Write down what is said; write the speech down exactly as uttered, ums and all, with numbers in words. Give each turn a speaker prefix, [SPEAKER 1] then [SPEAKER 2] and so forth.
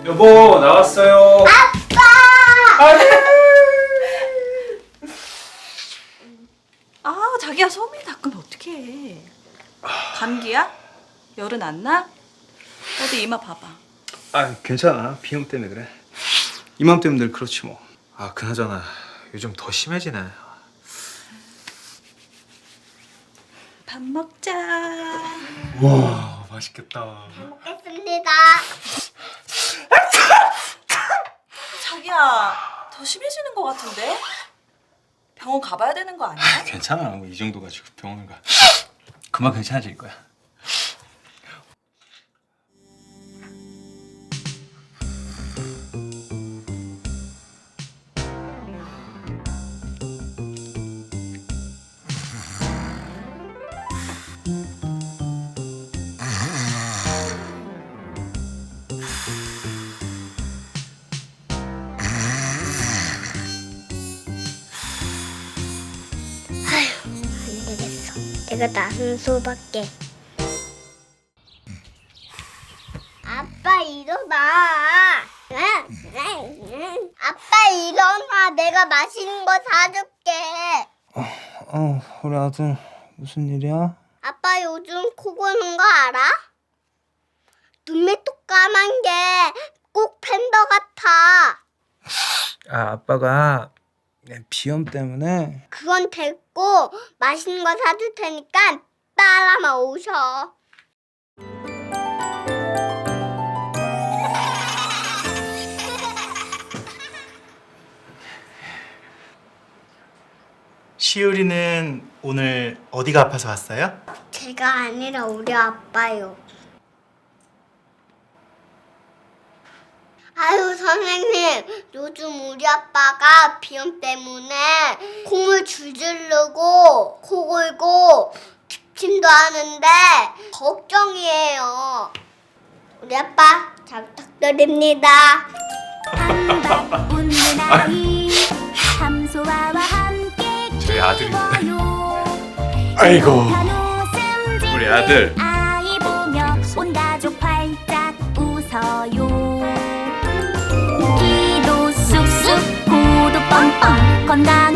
[SPEAKER 1] 여보 나왔어요.
[SPEAKER 2] 아빠!
[SPEAKER 1] 아니.
[SPEAKER 3] 아, 자기야 소미 닦으면 어떡해. 감기야? 열은 안 나? 어디 이마 봐봐.
[SPEAKER 1] 아 괜찮아. 비염 때문에 그래. 이맘때면 늘 그렇지 뭐. 아 그나저나 요즘 더 심해지네.
[SPEAKER 3] 밥 먹자.
[SPEAKER 1] 와 맛있겠다.
[SPEAKER 2] 잘 먹겠습니다.
[SPEAKER 3] 자기야, 더 심해지는 것 같은데? 병원 가봐야 되는 거 아니야?
[SPEAKER 1] 괜찮아. 뭐 이 정도 가지고 병원을 가. 금방 괜찮아질 거야.
[SPEAKER 2] 안 되겠어. 내가 나선 수밖에. 아빠 일어나. 아빠 일어나. 내가 맛있는 거 사줄게.
[SPEAKER 4] 어, 우리 아들 무슨 일이야?
[SPEAKER 2] 아빠 요즘 코 고는 거 알아? 눈매 또 까만 게 꼭 팬더 같아.
[SPEAKER 4] 아, 아빠가 비염 때문에.
[SPEAKER 2] 그건 됐고 맛있는 거 사줄 테니까 따라만 오셔.
[SPEAKER 5] 시우리는 오늘 어디가 아파서 왔어요?
[SPEAKER 2] 제가 아니라 우리 아빠요. 아유 선생님, 요즘 우리 아빠가 비염 때문에 콧물 줄줄 흐르고 코 골고 기침도 하는데 걱정이에요. 우리 아빠 잘 부탁드립니다.
[SPEAKER 6] 웃는 아이 함소아와 함께
[SPEAKER 1] 저희 아들인데.
[SPEAKER 6] 아이고
[SPEAKER 1] 우리 아들.
[SPEAKER 6] 아이 보며 온 가족 활짝 웃어요. 기도 쑥쑥 구도 뻥뻥 건강